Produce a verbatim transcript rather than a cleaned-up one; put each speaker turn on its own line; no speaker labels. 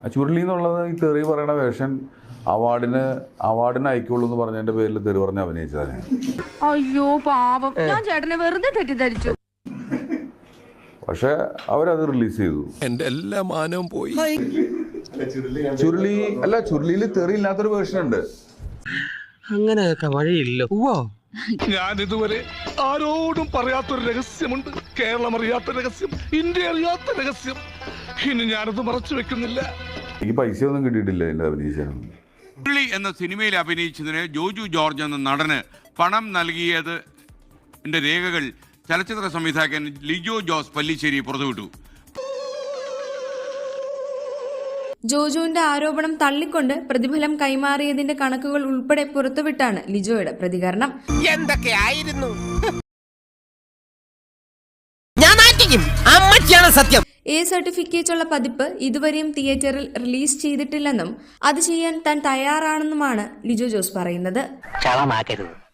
ചുരുളി എന്നുള്ളത് ഈ തെറി പറയുന്ന വേഷൻ അവാർഡിന് അവാർഡിന് അയക്കുള്ളൂ എന്ന് പറഞ്ഞതിന്റെ പേരിൽ തെറി പറഞ്ഞ് അഭിനയിച്ചതാണ്.
അയ്യോ പാപം, ഞാൻ ചേട്ടനെ വെറുതെ തെറ്റിദ്ധരിച്ചു.
പക്ഷെ അവരത് റിലീസ് ചെയ്തു.
എന്റെ എല്ലാ മാനവും പോയി.
ചുരുളി അല്ല, ചുരുളിയിൽ തെറി ഇല്ലാത്തൊരു വേർഷൻ ഉണ്ട്.
അങ്ങനെയൊക്കെ വഴിയില്ല.
ഞാൻ ഇതുവരെ ആരോടും പറയാത്തൊരു രഹസ്യമുണ്ട്. കേരളം അറിയാത്ത രഹസ്യം, ഇന്ത്യ അറിയാത്ത രഹസ്യം. ഇനി ഞാനത് മറച്ചു വെക്കുന്നില്ല.
എനിക്ക് പൈസ ഒന്നും കിട്ടിയിട്ടില്ല എന്റെ അഭിനയിച്ചാണ്.
ചുരുളി എന്ന സിനിമയിൽ അഭിനയിച്ചതിന് ജോജു ജോർജ് എന്ന നടന് പണം നൽകിയത് എന്റെ രേഖകൾ ചലച്ചിത്ര സംവിധായകൻ ലിജോ ജോസ് പല്ലിശ്ശേരി പുറത്തുവിട്ടു.
ജോജുവിന്റെ ആരോപണം തള്ളിക്കൊണ്ട് പ്രതിഫലം കൈമാറിയതിന്റെ കണക്കുകൾ ഉൾപ്പെടെ പുറത്തുവിട്ടാണ് ലിജോയുടെ പ്രതികരണം.
എന്തൊക്കെയായിരുന്നു ഞാൻ മാറ്റിക്കും. അമ്മച്ചിയാണ് സത്യം.
എ സർട്ടിഫിക്കറ്റുള്ള പതിപ്പ് ഇതുവരെയും തിയേറ്ററിൽ റിലീസ് ചെയ്തിട്ടില്ലെന്നും അത് ചെയ്യാൻ താൻ തയ്യാറാണെന്നുമാണ് ലിജോ ജോസ് പറയുന്നത്.